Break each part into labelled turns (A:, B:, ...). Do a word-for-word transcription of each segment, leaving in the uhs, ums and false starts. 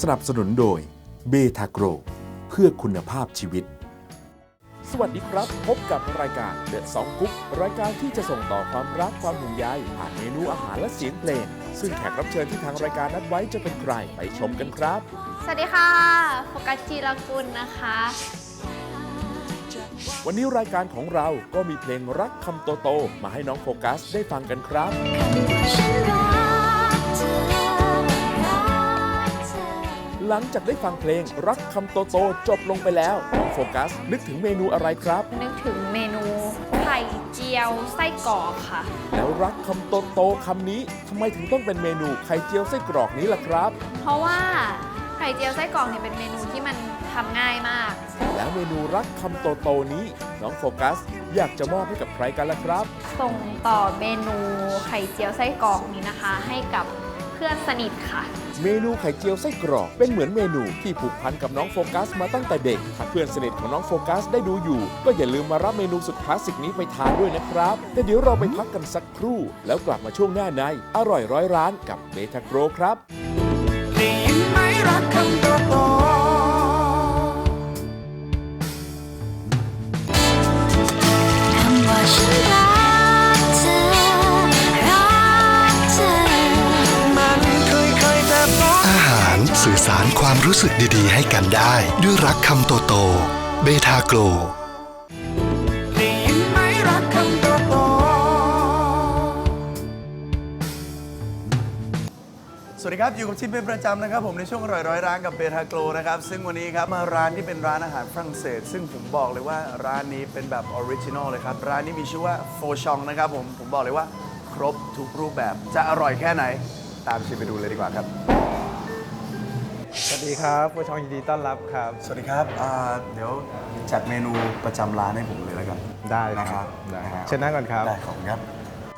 A: นับสนุนโดยเบทาโกรเพื่อคุณภาพชีวิตสวัสดีครับพบกับรายการเดอะสองกุ๊กรายการที่จะส่งต่อความรักความห่วงใยผ่านเมนูอาหารและเสียงเพลงซึ่งแขกรับเชิญที่ทางรายการนัดไว้จะเป็นใครไปชมกันครับ
B: สวัสดีค่ะโฟกัสจีรกุลนะคะ
A: วันนี้รายการของเราก็มีเพลงรักคำโตๆมาให้น้องโฟกัสได้ฟังกันครับหลังจากได้ฟังเพลงรักคำโตๆจบลงไปแล้วน้องโฟกัสนึกถึงเมนูอะไรครับ
B: นึกถึงเมนูไข่เจียวไส้กรอกค่ะ
A: แล้วรักคำโตๆคำนี้ทำไมถึงต้องเป็นเมนูไข่เจียวไส้กรอกนี้ล่ะครับ
B: เพราะว่าไข่เจียวไส้กรอกเนี่ยเป็นเมนูที่มันทำง่ายมาก
A: แล้วเมนูรักคำโตๆนี้น้องโฟกัสอยากจะมอบให้กับใครกันล่ะครับ
B: ส่งต่อเมนูไข่เจียวไส้กรอกนี้นะคะให้กับเพื่อนสนิทค่ะ
A: เมนูไข่เจียวไส้กรอกเป็นเหมือนเมนูที่ผูกพันกับน้องโฟกัสมาตั้งแต่เด็กถ้าเพื่อนสนิทของน้องโฟกัสได้ดูอยู่ก็อย่าลืมมารับเมนูสุดคลาสสิกนี้ไปทานด้วยนะครับแต่เดี๋ยวเราไปพักกันสักครู่แล้วกลับมาช่วงหน้าในอร่อยร้อยร้านกับเบทาโกรครับได้ยินไหมรักคำโตๆ
C: สื่อสารความรู้สึกดีๆให้กันได้ด้วยรักคำโตๆเบทาโกรได้ยินไหมรักคำโตๆ
D: สวัสดีครับอยู่กับชิมเป็นประจำนะครับผมในช่วงอร่อยร้อยร้านกับเบทาโกรนะครับซึ่งวันนี้ครับมาร้านที่เป็นร้านอาหารฝรั่งเศสซึ่งผมบอกเลยว่าร้านนี้เป็นแบบออริจินอลเลยครับร้านนี้มีชื่อว่าโฟชองนะครับผมผมบอกเลยว่าครบทุกรูปแบบจะอร่อยแค่ไหนตามชิมไปดูเลยดีกว่าครับ
E: สวัสดีครับผู้ชมยินดีต้อนรับครับ
D: สวัสดีครับเดี๋ยวจัดเมนูประจำร้านให้ผมเลยแล้วกัน
E: ได้
D: นะครับ
E: ได้เชิญนั่งก่อนครับ
D: ได้ขอบคุณครับ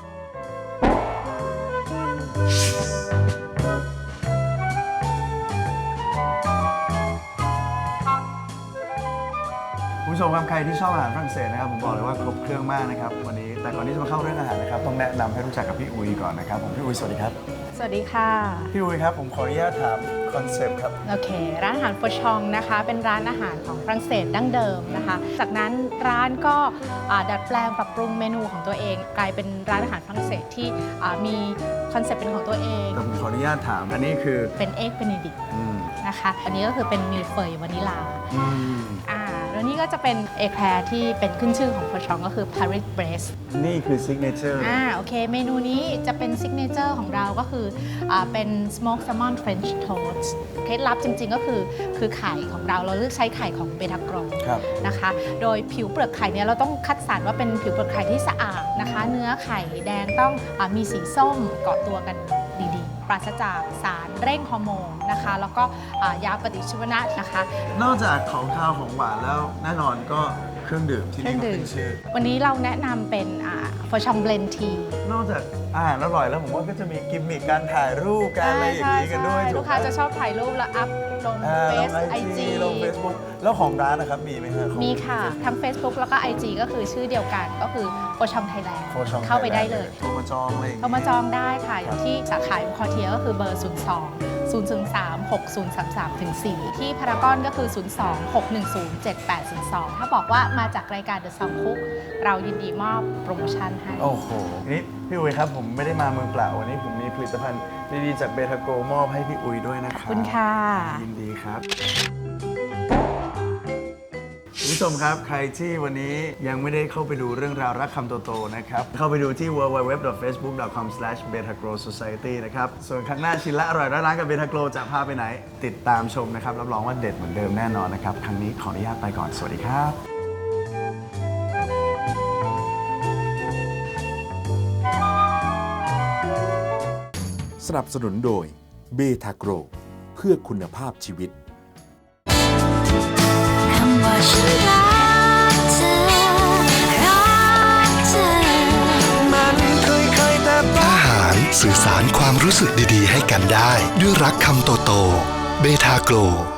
D: คุณผู้ชมครับใครที่ชอบอาหารฝรั่งเศสนะครับผมบอกเลยว่าครบเครื่องมากนะครับวันนี้แต่ก่อนที่จะมาเข้าเรื่องอาหารนะครับต้องแนะนำให้รู้จักกับพี่อุยก่อนนะครับผมพี่อุยสวัสดีครับ
F: สวัสดีค่ะ
D: พี่อุยครับผมขออนุญาตถามคอนเซปต์ครับ
F: โอเคร้านอาหารโฟชองนะคะเป็นร้านอาหารของฝรั่งเศสดั้งเดิมนะคะจากนั้นร้านก็ดัดแปลงปรับปรุงเมนูของตัวเองกลายเป็นร้านอาหารฝรั่งเศสที่มีคอนเซปต์เป็นของตัวเอง
D: แต่ผมขออนุญาตถามอันนี้คือ
F: เป็นเอ็กเบเนดิกต์นะคะอันนี้ก็คือเป็นมิลเฟยวานิลาอ่าแล้วนี่ก็จะเป็นเอแคลร์ที่เป็นขึ้นชื่อของโฟชองก็คือ Paris Brest
D: นี่คือซิกเนเจอร์
F: อ่าโอเคเมนูนี้จะเป็นซิกเนเจอร์ของเราก็คืออ่าเป็น smoked salmon French toast เคล็ดลับจริงๆก็คือคือไข่ของเราเราเลือกใช้ไข่ของเบทาโกรนะคะโดยผิวเปลือกไข่เนี่ยเราต้องคัดสรรว่าเป็นผิวเปลือกไข่ที่สะอาดนะคะเนื้อไข่แดงต้องอมีสีส้มเกาะตัวกันดีๆปราศจากสารเร่งฮอร์โมนนะคะแล้วก็ยาปฏิชีวนะนะคะ
D: นอกจากของข้าวของหวานแล้วแน่นอนก็เครื่องดื่มที่นี่ก็เป็นชื่อ
F: วันนี้เราแนะนำเป็นโฟชองเบลนที
D: นอกจากอาหารอร่อยแล้วผมว่าก็จะมีกิมมิคการถ่ายรูปการอะไรอย่างนี้กันด้วย
F: ลูกค้าจะชอบถ่ายรูปแล้วอัพลงเฟซไอจี
D: ลงเฟซบุ๊กแล้วของร้านนะครับมีไหมครับ
F: มีค่ะทั้ง Facebook แล้วก็ ไอ จี ก็คือชื่อเดียวกันก็คือโฟชองไทยแลนด์เข้าไปได้เลย
D: โทรมาจองเลย
F: โทรมาจองได้ค่ะอย่างที่สาขาคอเทียก็คือเบอร์ศูนย์ สอง ศูนย์ สาม หก ศูนย์ สาม สาม สี่ ที่พารากอนก็คือ ศูนย์ สอง หก หนึ่ง ศูนย์ เจ็ด แปด ศูนย์ สอง ถ้าบอกว่ามาจากรายการเดอะซองคุกเรายินดีมอบโปรโมชั่นให้
D: โอ้โหนี่พี่อุ๋ยครับผมไม่ได้มามือเปล่าวันนี้ผมมีผลิตภัณฑ์ดีๆจากเบทาโกมอบให้พี่อุ๋ยด้วยนะครับ
F: ขอบคุณค่ะ
D: ยินดีครับคุณผู้ชมครับใครที่วันนี้ยังไม่ได้เข้าไปดูเรื่องราวรักคำโตๆนะครับเข้าไปดูที่ ดับเบิลยู ดับเบิลยู ดับเบิลยู ดอท เฟซบุ๊ก ดอท คอม สแลช เบทาโกร โซไซตี้ นะครับส่วนครั้งหน้าชินละอร่อยร้านกับเบทาโกรจะพาไปไหนติดตามชมนะครับรับรองว่าเด็ดเหมือนเดิมแน่นอนนะครับครั้งนี้ขออนุญาตไปก่อนสวัสดีครับ
A: สนับสนุนโดยเบทาโกรเพื่อคุณภาพชีวิต
C: อาหารสื่อสารความรู้สึกดีๆให้กันได้ด้วยรักคำโตๆเบทาโกร